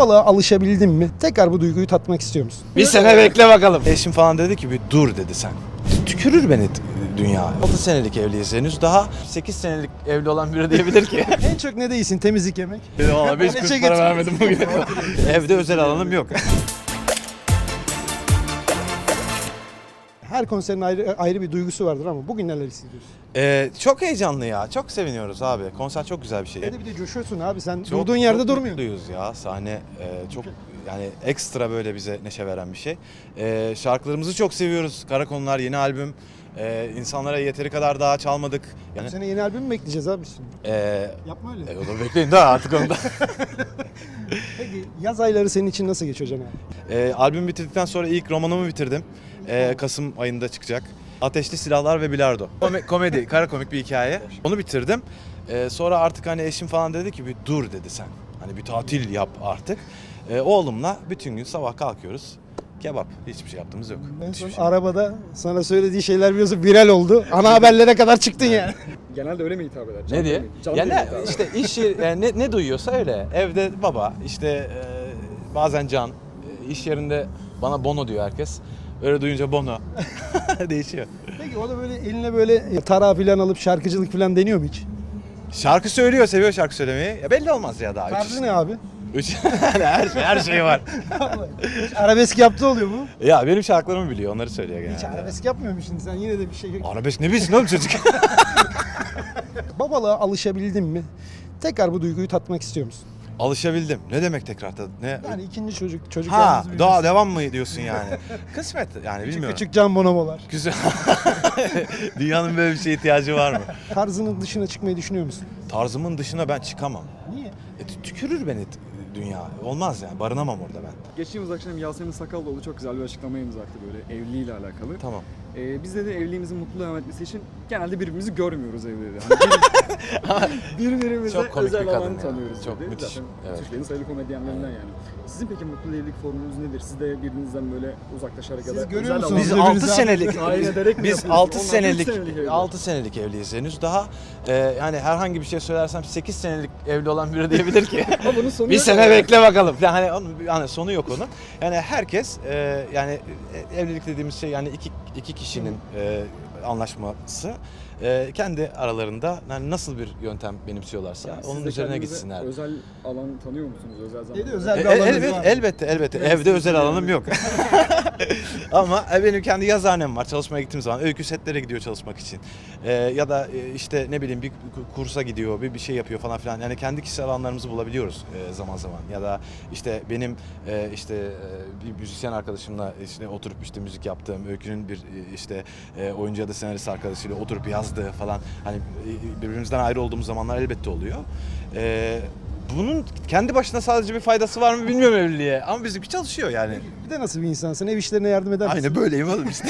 Babalığa alışabildin mi? Tekrar bu duyguyu tatmak istiyor musun? Bir sene bekle bakalım. Eşim falan dedi ki bir dur dedi sen. Tükürür beni dünya. 6 senelik evliyiz henüz, daha 8 senelik evli olan biri diyebilir ki. En çok ne değilsin? Temizlik, yemek. Valla 5 kuruş para vermedim bugün. Evde özel alanım yok. Her konserin ayrı bir duygusu vardır ama bugün neler hissediyorsun? Çok heyecanlı ya. Çok seviniyoruz abi. Konser çok güzel bir şey. Bir de coşuyorsun abi. Sen Çok- durduğun yerde çok durmuyorsun. mutluyuz ya. Sahne çok yani ekstra böyle bize neşe veren bir şey. Şarkılarımızı çok seviyoruz. Karakonular yeni albüm. İnsanlara yeteri kadar daha çalmadık. Bu Yani sene yeni albüm mü bekleyeceğiz abi şimdi? Yapma öyle. o da bekleyin daha artık onu da. Peki yaz ayları senin için nasıl geçiyor Can abi? Albüm bitirdikten sonra ilk romanımı bitirdim. Kasım ayında çıkacak. Ateşli Silahlar ve Bilardo. Komedi, kara komik bir hikaye. Onu bitirdim. Sonra artık hani eşim falan dedi ki bir dur dedi sen. Hani bir tatil yap artık. Oğlumla bütün gün sabah kalkıyoruz. Kebap. Hiçbir şey yaptığımız yok. En Hiçbir son şey. arabada sana söylediği şeyler biliyorsun viral oldu. Ana haberlere kadar çıktın yani. Genelde öyle mi hitap eder? Ne diye? Ya ne işte iş yeri, ne duyuyorsa öyle. Evde baba, işte bazen Can, iş yerinde bana Bono diyor herkes. Öyle duyunca Bono. Değişiyor. Peki o da böyle eline böyle tara falan alıp şarkıcılık falan deniyor mu hiç? Şarkı söylüyor, seviyor şarkı söylemeyi. Ya belli olmaz ya daha. Tarzı ne abi? Her şey var. Hiç arabesk yaptığı oluyor mu? Ya benim şarkılarımı biliyor, onları söylüyor Hiç genelde. arabesk yapmıyor musun sen? Yine de bir şey... Arabesk ne bilsin oğlum çocuk? Babalığa alışabildin mi? Tekrar bu duyguyu tatmak istiyor musun? Alışabildim. Ne demek tekrar? Ne? Yani ikinci çocuk Ha, yalnız daha büyümesi. devam mı diyorsun yani? Kısmet yani bilmiyorum. Küçük Can Bonomo'lar. Güzel. Dünyanın böyle bir şeye ihtiyacı var mı? Tarzının dışına çıkmayı düşünüyor musun? Tarzımın dışına ben çıkamam. Niye? Tükürür beni dünya. Olmaz yani. Barınamam orada ben. Geçtiğimiz akşam Yasemin Sakallıoğlu çok güzel bir açıklama imza attı böyle evliliğiyle alakalı. Tamam. Biz de evliliğimizin mutlu devam etmesi için genelde birbirimizi görmüyoruz evde dedi. Hani birbirimize Çok komik özel bir kadın alan ya. tanıyoruz Çok dedi. müthiş. Zaten Evet. Türkiye'nin sayılı komedyenlerinden yani. Sizin peki mutlu evlilik formülünüz nedir? Siz de birbirinizden böyle uzaklaşarak ya da Siz görüyor özel musunuz? alan- Biz Birbirinize 6 senelik tayin ederek mi biz yapıyorsunuz? 6 Onlar senelik üç senelik evli. 6 senelik evliyiz henüz, daha yani herhangi bir şey söylersem 8 senelik evli olan biri diyebilir ki Ama bunun sonu bir yok sene yani. bekle bakalım. Yani hani sonu yok onun. Yani herkes yani evlilik dediğimiz şey yani iki kişinin anlaşması. Kendi aralarında yani nasıl bir yöntem benimsiyorlarsa Yani onun siz de üzerine kendinize gitsinler. Özel alan tanıyor musunuz? Özel zaman. Dedi, özel bir alanınız var. Elbette. Evde özel alanım yok. Ama benim kendi yazıhanem var. Çalışmaya gittiğim zaman öykü setlere gidiyor çalışmak için. Ya da işte ne bileyim bir kursa gidiyor, bir şey yapıyor falan filan. Yani kendi kişisel alanlarımızı bulabiliyoruz zaman zaman. Ya da işte benim bir müzisyen arkadaşımla işte oturup işte müzik yaptığım, öykünün bir işte oyuncu ya da senarist arkadaşıyla oturup yazdığı falan. Hani birbirimizden ayrı olduğumuz zamanlar elbette oluyor. Bunun kendi başına sadece bir faydası var mı bilmiyorum evliliğe ama bizimki çalışıyor yani. Bir de nasıl bir insansın? Ev işlerine yardım eder misin? Aynı böyleyim oğlum işte.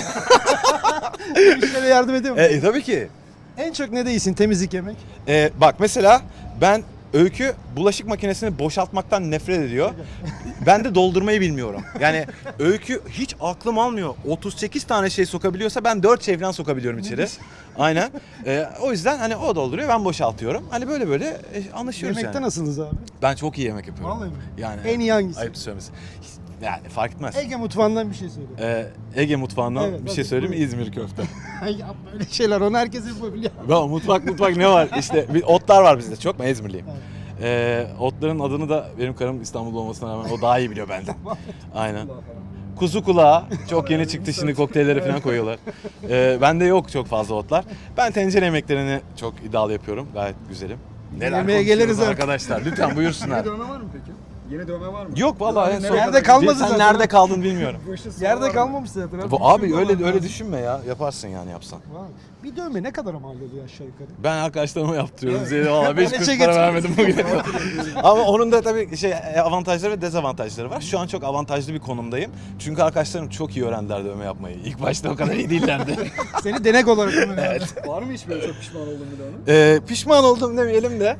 Ev işlerine yardım ediyor musun? Tabii ki. En çok ne değilsin? Temizlik, yemek. Bak mesela ben Öykü bulaşık makinesini boşaltmaktan nefret ediyor. Ben de doldurmayı bilmiyorum. Yani Öykü hiç aklım almıyor. 38 tane şey sokabiliyorsa ben 4 şey falan sokabiliyorum içeri. Aynen. O yüzden hani o dolduruyor, ben boşaltıyorum. Hani böyle anlaşıyoruz Yemekte yani. nasılsınız abi? Ben çok iyi yemek yapıyorum. Vallahi mi? Yani En iyi hangisi? Ayıp söylemesi. Yani fark etmez. Ege mutfağından bir şey söyle. Ege mutfağından Evet, bir şey tabii, söyleyeyim mi? buyurun. İzmir köfte. Ya böyle şeyler onu herkes yapabiliyor. Ya mutfak ne var? İşte otlar var bizde çok. Ben İzmirliyim. Otların adını da benim karım İstanbul'da olmasına rağmen o daha iyi biliyor benden. Aynen. Kuzu kulağı çok yeni çıktı, şimdi kokteylleri falan koyuyorlar. Bende yok çok fazla otlar. Ben tencere yemeklerini çok iddialı yapıyorum. Gayet güzelim. Neler Yemeğe konuşuyoruz geliriz artık. arkadaşlar. Lütfen buyursunlar. Yeni dövme var mı peki? Yeni dövme var mı? Yok vallahi en son. Nerede kalmadı Sen zaten. nerede kaldın bilmiyorum. Bu işin sonu var Yerde mı? kalmamış zaten. abi. Bu abi Düşünme öyle lazım. öyle düşünme ya. Yaparsın yani yapsan. Vay. Bir dövme ne kadar mal oluyor aşağı yukarı? Ben arkadaşlarıma yaptırıyorum. Valla 5 Bana kuruş çek para et. vermedim bugün. Ama onun da tabii avantajları ve dezavantajları var. Şu an çok avantajlı bir konumdayım. Çünkü arkadaşlarım çok iyi öğrendiler dövme yapmayı. İlk başta o kadar iyi değillerdi. Seni denek olarak kullanıyorum. Var mı hiç böyle çok pişman olduğun bir dövme? Pişman oldum demeyelim de.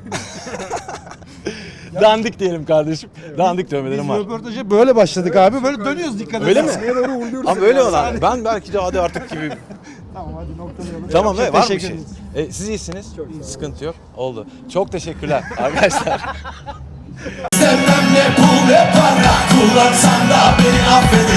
Dandik diyelim kardeşim. Dandik dövmelerim Biz var. röportaja böyle başladık abi. Böyle dönüyoruz dikkat Öyle mi? Askıya doğru uğurluyoruz. Ama öyle olan. Ben belki de hadi artık gibi. Tamam hadi noktalayalım. Tamam Çok var mı bir teşekkür şey? ederiz. Siz iyisiniz. Çok sağ olun. Sıkıntı yok. Oldu. Çok teşekkürler arkadaşlar. Sevmem ne bu pul ve para. Kullansan da beni affeder.